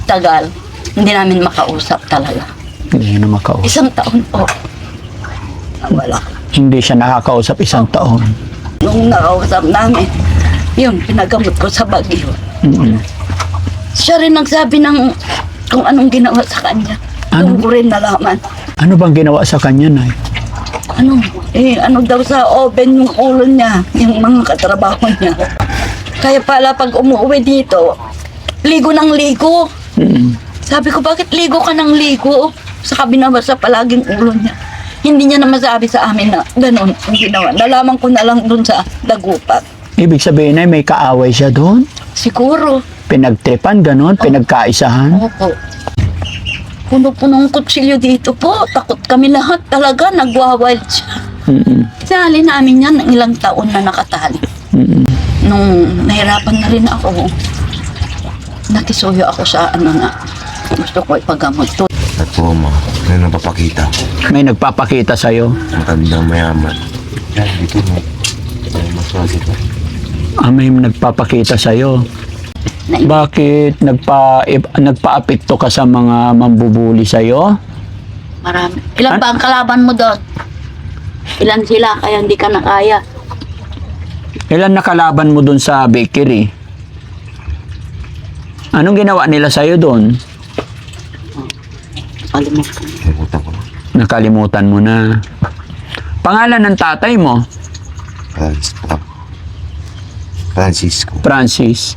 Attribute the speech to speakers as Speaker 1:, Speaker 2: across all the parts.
Speaker 1: tagal, hindi namin makausap talaga.
Speaker 2: Hindi na makausap.
Speaker 1: Isang taon po. Wala.
Speaker 2: Hindi siya nakakausap isang taon.
Speaker 1: Nung nakausap namin, yun, pinagamot ko sa Baguio.
Speaker 2: Mm-mm.
Speaker 1: Siya rin nagsabi ng kung anong ginawa sa kanya.
Speaker 2: Ano?
Speaker 1: Doon ko rin nalaman.
Speaker 2: Ano bang ginawa sa kanya, Nay?
Speaker 1: Ano daw sa oven yung ulo niya, yung mga katrabaho niya. Kaya pala pag umuwi dito, ligo ng ligo.
Speaker 2: Mm-mm.
Speaker 1: Sabi ko, bakit ligo ka ng ligo? Sa kabinabasa palaging ulo niya. Hindi niya na masabi sa amin na ganun ang ginawa. Nalaman ko na lang dun sa dagupan.
Speaker 2: Ibig sabihin, Nay, may kaaway siya doon?
Speaker 1: Siguro.
Speaker 2: Pinagtripan, ganon? Pinagkaisahan?
Speaker 1: Opo. Puno-punong kutsilyo dito po. Takot kami lahat talaga. Nagwawild siya.
Speaker 2: Mm-mm.
Speaker 1: Sali namin yan ng ilang taon na nakatali.
Speaker 2: Mm-mm.
Speaker 1: Nung nahirapan na rin ako, nakisuyo ako sa gusto ko ipagamot.
Speaker 3: At po, ma, may napapakita.
Speaker 2: May nagpapakita sa'yo?
Speaker 3: Matandang mayaman. Yan, dito mo. May maswagi pa.
Speaker 2: May nagpapakita sa'yo. Bakit nagpa-apekto ka sa mga mambubuli sa'yo?
Speaker 1: Marami. Ilan ba ang kalaban mo doon? Ilan sila kaya hindi ka nakaya?
Speaker 2: Ilan nakalaban mo doon sa bakery? Anong ginawa nila sa'yo doon?
Speaker 1: Kalimutan.
Speaker 3: Nakutan ko na.
Speaker 2: Nakalimutan mo na. Pangalan ng tatay mo?
Speaker 3: Francisco.
Speaker 2: Francis.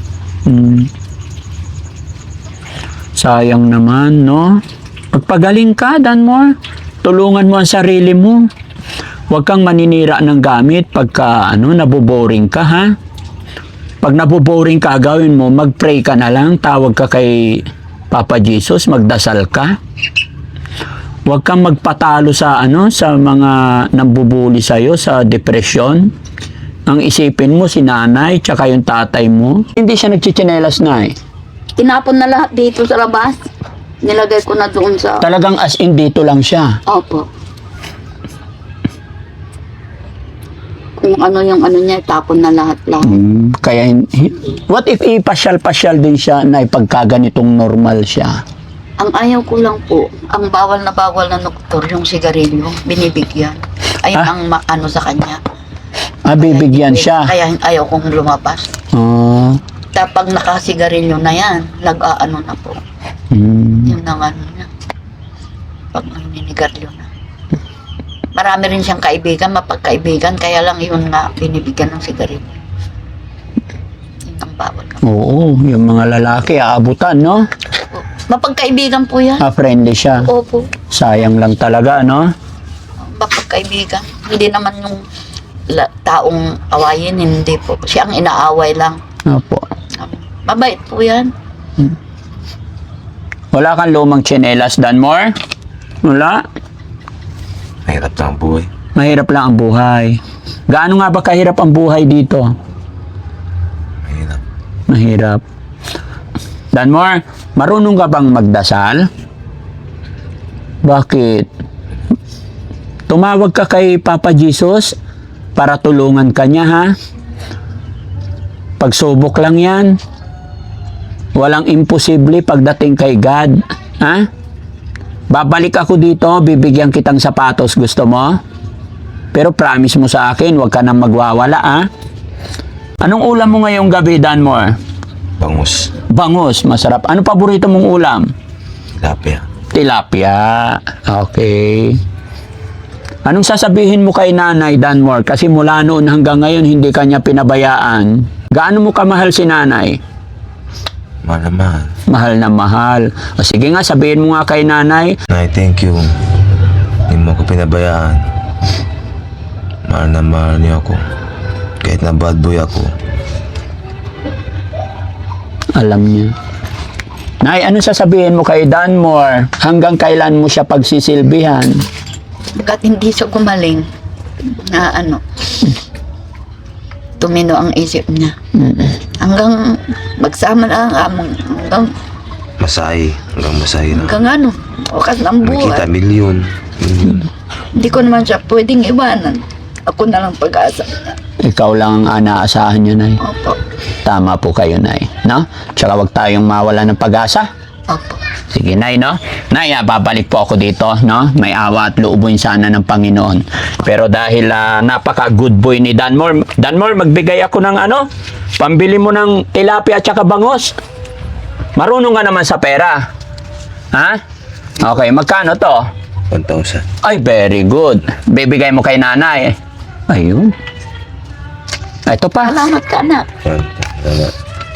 Speaker 2: Sayang naman, no? Pagpagaling ka, Danmore. Tulungan mo ang sarili mo. Huwag kang maninira ng gamit pagka naboboring ka, ha? Pag naboboring ka, gawin mo, mag-pray ka na lang, tawag ka kay Papa Jesus, magdasal ka. Huwag kang magpatalo sa sa mga nambubuli sa'yo, sa depresyon. Ang isipin mo si nanay, tsaka yung tatay mo. Hindi siya nagchichinelas, Nay.
Speaker 1: Tinapon na lahat dito sa labas. Nilagay ko na doon sa...
Speaker 2: Talagang as in dito lang siya.
Speaker 1: Opo. Kung ano yung niya, tapon na lahat lang.
Speaker 2: Kaya, what if ipasyal-pasyal din siya na ipagkaganitong normal siya?
Speaker 1: Ang ayaw ko lang po, ang bawal na doktor, yung sigarilyo, binibigyan. Ayun ang sa kanya.
Speaker 2: Bibigyan siya.
Speaker 1: Kaya ayaw kong lumabas. Tapag nakasigarilyo na yan, na po. Yun ang niya. Pag naninigarilyo na. Marami rin siyang kaibigan, mapagkaibigan, kaya lang yun nga, binibigyan ng sigarilyo. Yun ang bawal ka.
Speaker 2: Oo, yung mga lalaki, aabutan, no?
Speaker 1: Mapagkaibigan po yan.
Speaker 2: Friendly siya.
Speaker 1: Opo.
Speaker 2: Sayang lang talaga, no?
Speaker 1: Mapagkaibigan. Hindi naman yung taong awayin, hindi po. Siya ang inaaway lang.
Speaker 2: Opo.
Speaker 1: Mabait po yan.
Speaker 2: Wala kang lumang tsinelas, Danmore? Wala?
Speaker 3: Mahirap na ang buhay.
Speaker 2: Mahirap lang ang buhay. Gaano nga ba kahirap ang buhay dito?
Speaker 3: Mahirap.
Speaker 2: Mahirap. Danmore, marunong ka bang magdasal? Bakit? Tumawag ka kay Papa Jesus para tulungan ka niya, ha? Pagsubok lang yan. Walang imposible pagdating kay God. Ha? Babalik ako dito, bibigyan kitang sapatos. Gusto mo? Pero promise mo sa akin, huwag ka nang magwawala, ha? Anong ulam mo ngayong gabi, Danmore?
Speaker 3: Bangus.
Speaker 2: Bangus, masarap. Ano paborito mong ulam?
Speaker 3: Tilapia.
Speaker 2: Tilapia. Okay. Anong sasabihin mo kay Nanay, Danmore? Kasi mula noon hanggang ngayon, hindi kanya pinabayaan. Gaano mo kamahal si Nanay?
Speaker 3: Mahal na mahal.
Speaker 2: Mahal na mahal. O sige nga, sabihin mo nga kay Nanay.
Speaker 3: Nay, thank you. Hindi mo ako pinabayaan. Mahal na mahal niyo ako. Kahit na bad boy ako.
Speaker 2: Alam niya. Nay, ano sasabihin mo kay Danmore? Hanggang kailan mo siya pagsisilbihan?
Speaker 1: Bagat hindi siya gumaling na tumino ang isip niya. Hanggang magsama na hanggang
Speaker 3: Masahe. Hanggang masahe na.
Speaker 1: hanggang wakas ng
Speaker 3: Nakikita
Speaker 1: buhay.
Speaker 3: milyon.
Speaker 1: Hindi ko naman siya pwedeng iwanan. Ako na lang pag-asa niya.
Speaker 2: Ikaw lang ang anaasahan niya, Nay.
Speaker 1: Opo.
Speaker 2: Tama po kayo, Nay. No? Tsaka wag tayong mawala ng pag-asa.
Speaker 1: Opo.
Speaker 2: Sige, Nay, no? Nay, babalik po ako dito, no? May awa at loobin sana ng Panginoon. Pero dahil napaka-good boy ni Danmore, magbigay ako ng ano? Pambili mo ng tilapia at saka bangos. Marunong ka naman sa pera. Ha? Okay, magkano to?
Speaker 3: 1,000.
Speaker 2: Ay, very good. Bibigay mo kay nanay. Ayun. Ito pa.
Speaker 1: Salamat ka, anak.
Speaker 3: Salamat.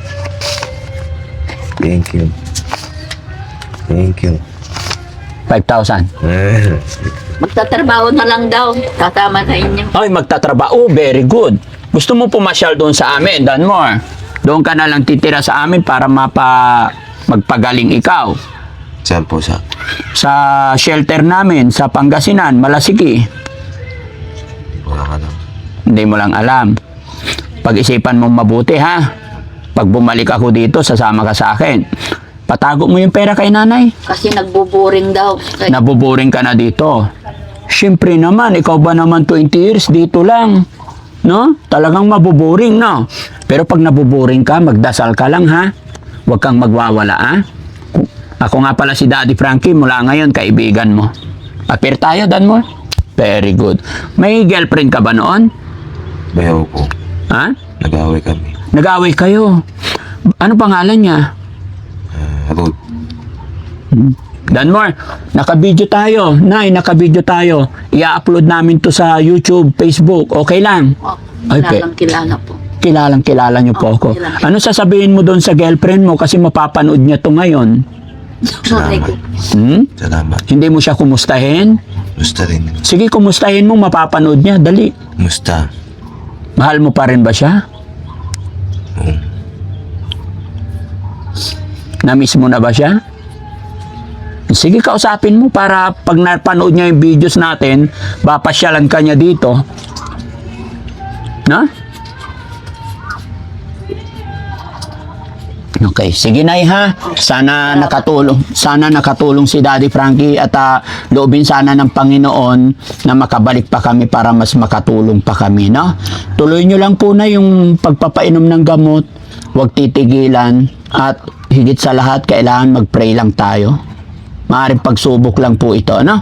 Speaker 3: Thank you. Thank you.
Speaker 2: 5,000.
Speaker 1: Magtatrabaho na lang daw. Kasama na inyo.
Speaker 2: Ay, magtatrabaho. Very good. Gusto mo pumasyal doon sa amin, Danmore? Doon ka na lang titira sa amin para magpagaling ikaw.
Speaker 3: Saan po sa?
Speaker 2: Sa shelter namin, sa Pangasinan, Malasiki.
Speaker 3: Wala ka lang.
Speaker 2: Hindi mo lang alam. Pag-isipan mong mabuti, ha? Pag bumalik ako dito, sasama ka sa akin. Patago mo yung pera kay nanay.
Speaker 1: Kasi nagbuboring daw.
Speaker 2: Nabuboring ka na dito. Siyempre naman, ikaw ba naman 20 years dito lang? No? Talagang mabuboring, no? Pero pag nabuboring ka, magdasal ka lang, ha? Huwag kang magwawala, ha? Ako nga pala si Daddy Frankie, mula ngayon, kaibigan mo. Appear tayo, Danmore? Very good. May girlfriend ka ba noon?
Speaker 3: Bayaw ko.
Speaker 2: Ha?
Speaker 3: Nag-away kami.
Speaker 2: Nag-away kayo. Ano pangalan niya?
Speaker 3: Ruth.
Speaker 2: Danmore, naka-video tayo. Nay, naka-video tayo. I-upload namin to sa YouTube, Facebook. Okay lang? Ay,
Speaker 1: Kilala po.
Speaker 2: Kilalang-kilala niyo po ako.
Speaker 1: kilala.
Speaker 2: Ano sasabihin mo doon sa girlfriend mo kasi mapapanood niya to ngayon?
Speaker 3: Salamat. Salamat.
Speaker 2: Hindi mo siya kumustahin?
Speaker 3: Musta rin.
Speaker 2: Sige, kumustahin mo, mapapanood niya. Dali.
Speaker 3: Musta?
Speaker 2: Mahal mo pa rin ba siya?
Speaker 3: Oo.
Speaker 2: Na-miss mo na ba siya? Sige, kausapin mo para pag napanood niya yung videos natin, papasyalan ka niya dito. Na? Okay, sige Nay ha. Sana nakatulong si Daddy Frankie at loobin sana ng Panginoon na makabalik pa kami para mas makatulong pa kami, no? Tuloy nyo lang po na yung pagpapainom ng gamot. Huwag titigilan at higit sa lahat kailangan mag-pray lang tayo. Maaaring pagsubok lang po ito, no?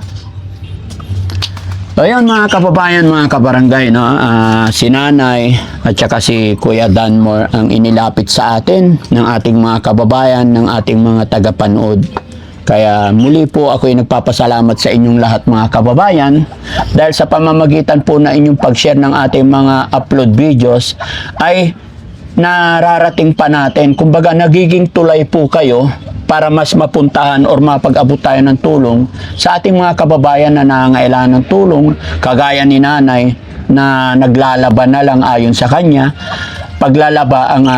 Speaker 2: Ayun mga kababayan, mga kabarangay, no? Si Nanay at saka si Kuya Danmore ang inilapit sa atin ng ating mga kababayan, ng ating mga tagapanood. Kaya muli po ako'y nagpapasalamat sa inyong lahat mga kababayan dahil sa pamamagitan po na inyong pag-share ng ating mga upload videos ay nararating pa natin. Kumbaga nagiging tulay po kayo para mas mapuntahan or mapag-abot tayo ng tulong sa ating mga kababayan na nangangailangan ng tulong, kagaya ni Nanay na naglalaba na lang ayon sa kanya. Paglalaba ang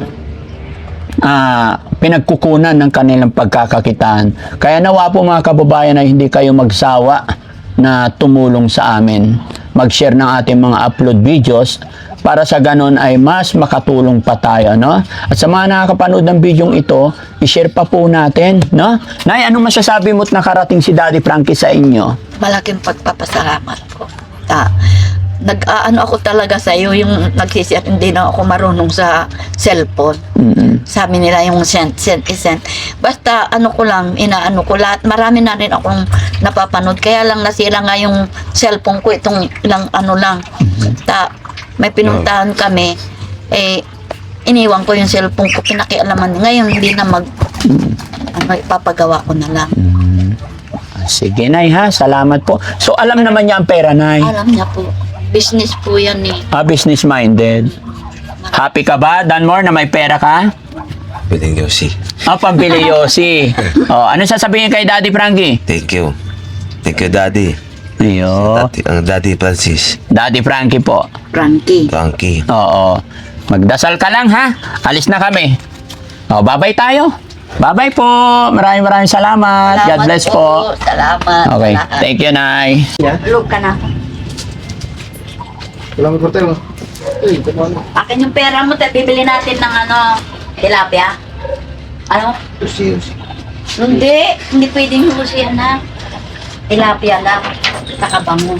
Speaker 2: pinagkukunan ng kanilang pagkakakitaan. Kaya nawa po mga kababayan ay hindi kayo magsawa na tumulong sa amin. Mag-share ng ating mga upload videos para sa ganon ay mas makatulong pa tayo, no? At sa mga nakakapanood ng bidyong ito, i-share pa po natin, no? Nay, ano masasabi mo't nakarating si Daddy Frankie sa inyo?
Speaker 1: Malaking pagpapasalamat ko. Nag-aano ako talaga sa iyo, yung nagsisiyat, hindi na ako marunong sa cellphone. Sabi nila yung send. Basta ano ko lang, inaano ko lahat. Marami na rin akong napapanood. Kaya lang nasira nga yung cellphone ko itong ilang ano lang. May pinuntahan kami, iniwan ko yung cellphone ko, pinakialaman. Ngayon, hindi na ipapagawa ko na lang.
Speaker 2: Sige, Nay, ha? Salamat po. So, alam naman niya ang pera, Nay?
Speaker 1: Alam niya po. Business po yan eh.
Speaker 2: Business-minded. Happy ka ba, Danmore, na may pera ka?
Speaker 3: Pwedeng Yossi.
Speaker 2: Pambili Yossi. Ano sasabihin kay Daddy Frankie?
Speaker 3: Thank you. Thank you, Daddy.
Speaker 2: Ayo.
Speaker 3: Ang Daddy Francis.
Speaker 2: Daddy Frankie po.
Speaker 1: Frankie.
Speaker 3: Frankie.
Speaker 2: Oo. Magdasal ka lang, ha? Alis na kami. Bye-bye tayo. Bye-bye po. Maraming salamat. God bless po.
Speaker 1: Salamat.
Speaker 2: Okay.
Speaker 1: Salamat.
Speaker 2: Thank you, Nay.
Speaker 1: Look ka na.
Speaker 4: Salamat po tayo.
Speaker 1: Akin yung pera mo, bibili natin ng tilapia. Ano?
Speaker 4: Usi.
Speaker 1: Hindi pwedeng husihan na. Tilapia lang. Nakabango.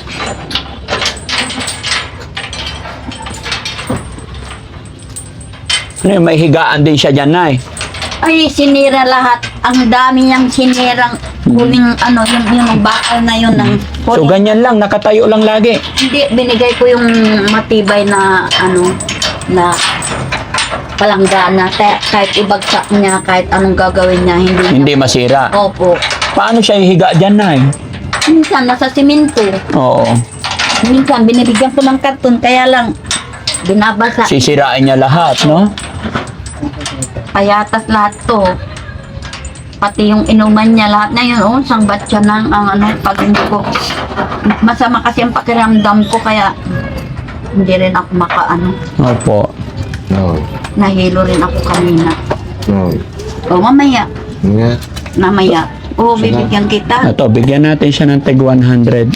Speaker 2: Ano yung may higaan din siya dyan, Nay?
Speaker 1: Ay, sinira lahat. Ang dami niyang sinirang huling ano, yung bakal na yun ng
Speaker 2: So, ganyan lang, nakatayo lang lagi.
Speaker 1: Hindi, binigay ko yung matibay na ano, na palanggana. Kahit ibagsak niya, kahit anong gagawin niya,
Speaker 2: Hindi masira.
Speaker 1: Opo.
Speaker 2: Paano siya hihiga dyan, Nay?
Speaker 1: Minsan, nasa simento.
Speaker 2: Oo.
Speaker 1: Minsan, binibigyan ko ng karton, kaya lang, binabasa.
Speaker 2: Sisirain niya lahat, no?
Speaker 1: Payatas lahat to. Pati yung inuman niya, lahat na yun, sangbat siya ng ang ano, pag hindi ko, masama kasi ang pakiramdam ko, kaya hindi rin ako makaano.
Speaker 2: Opo.
Speaker 3: No.
Speaker 1: Nahilo rin ako kanina.
Speaker 3: No.
Speaker 1: O, mamaya.
Speaker 3: Nga.
Speaker 1: Mamaya. O, bibigyan kita.
Speaker 2: Ito, bigyan natin siya ng tig 100.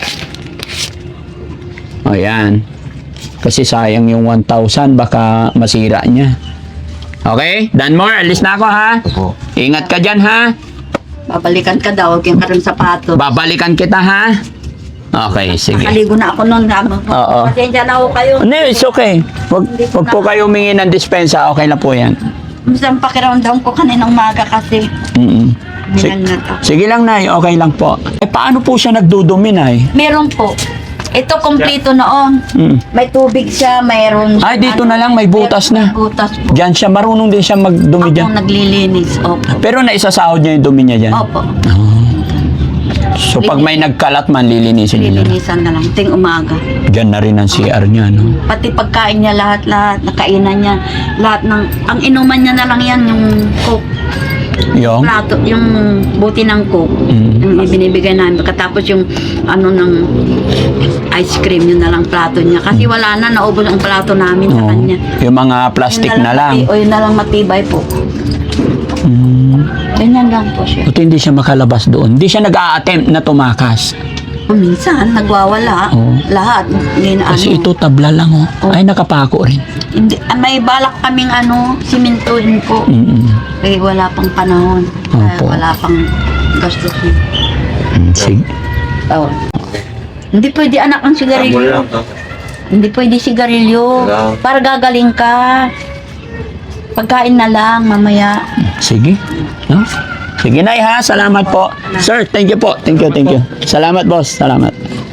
Speaker 2: O, yan. Kasi sayang yung 1,000, baka masira niya. Okay? Danmore, alis na ako, ha?
Speaker 3: Opo.
Speaker 2: Ingat ka dyan, ha?
Speaker 1: Babalikan ka daw, huwag yung karong sapato.
Speaker 2: Babalikan kita, ha? Okay, sige.
Speaker 1: Nakaligo na ako noon.
Speaker 2: Oo.
Speaker 1: Pasensya na ako kayo.
Speaker 2: No, it's okay. Wag po kayo humingi ng dispensa. Okay lang po yan.
Speaker 1: Minsan pakiramdam ko kaninang maga kasi.
Speaker 2: Mm-mm.
Speaker 1: Binangat ako.
Speaker 2: Sige lang, Nay. Okay lang po. Eh, paano po siya nagdudumi, Nay?
Speaker 1: Meron po. Ito kompleto noon.
Speaker 2: Mm.
Speaker 1: May tubig siya, mayroon.
Speaker 2: Ay, dito na lang, may butas na.
Speaker 1: May butas po.
Speaker 2: Diyan siya, marunong din siya magdumi
Speaker 1: Ako
Speaker 2: dyan.
Speaker 1: naglilinis. Opo.
Speaker 2: Pero naisasahod niya yung dumi niya dyan.
Speaker 1: Opo.
Speaker 2: So, pag may nagkalat man, lilinisin niya na.
Speaker 1: Lilinisan na lang. Ting umaga.
Speaker 2: Diyan na rin ang CR niya, no?
Speaker 1: Pati pagkain niya lahat, nakainan niya. Lahat ng, ang inuman niya na lang yan, yung coke.
Speaker 2: Yung?
Speaker 1: Plato, yung buti ng coke.
Speaker 2: Mm.
Speaker 1: Yung ibinibigay namin. Katapos yung ano ng ice cream, yun na lang plato niya. Kasi wala na, naubos ang plato namin sa
Speaker 2: Oo.
Speaker 1: kanya.
Speaker 2: Yung mga plastic
Speaker 1: Yun
Speaker 2: na lang.
Speaker 1: O yun na lang matibay po.
Speaker 2: Mm.
Speaker 1: Ganyan lang po siya.
Speaker 2: Buti hindi siya makalabas doon. Hindi siya nag-a-attempt na tumakas.
Speaker 1: O minsan, nagwawala.
Speaker 2: Oo.
Speaker 1: Lahat. Hindi na
Speaker 2: Kasi
Speaker 1: ano.
Speaker 2: ito tabla lang, oh.
Speaker 1: Oo.
Speaker 2: Ay, nakapako rin.
Speaker 1: Hindi, may balak kaming ano, simentuhin po.
Speaker 2: Mm-mm.
Speaker 1: Eh, wala pang panahon.
Speaker 2: Opo.
Speaker 1: Wala pang gastusin.
Speaker 2: Sige.
Speaker 1: Oh. Hindi pwede anak ang sigarilyo. Hindi pwede sigarilyo.
Speaker 3: Wala.
Speaker 1: Para gagaling ka. Pagkain na lang mamaya.
Speaker 2: Sige. No? Sige, Nay, ha? Salamat po. Sir, thank you po. Thank you. Salamat, boss. Salamat.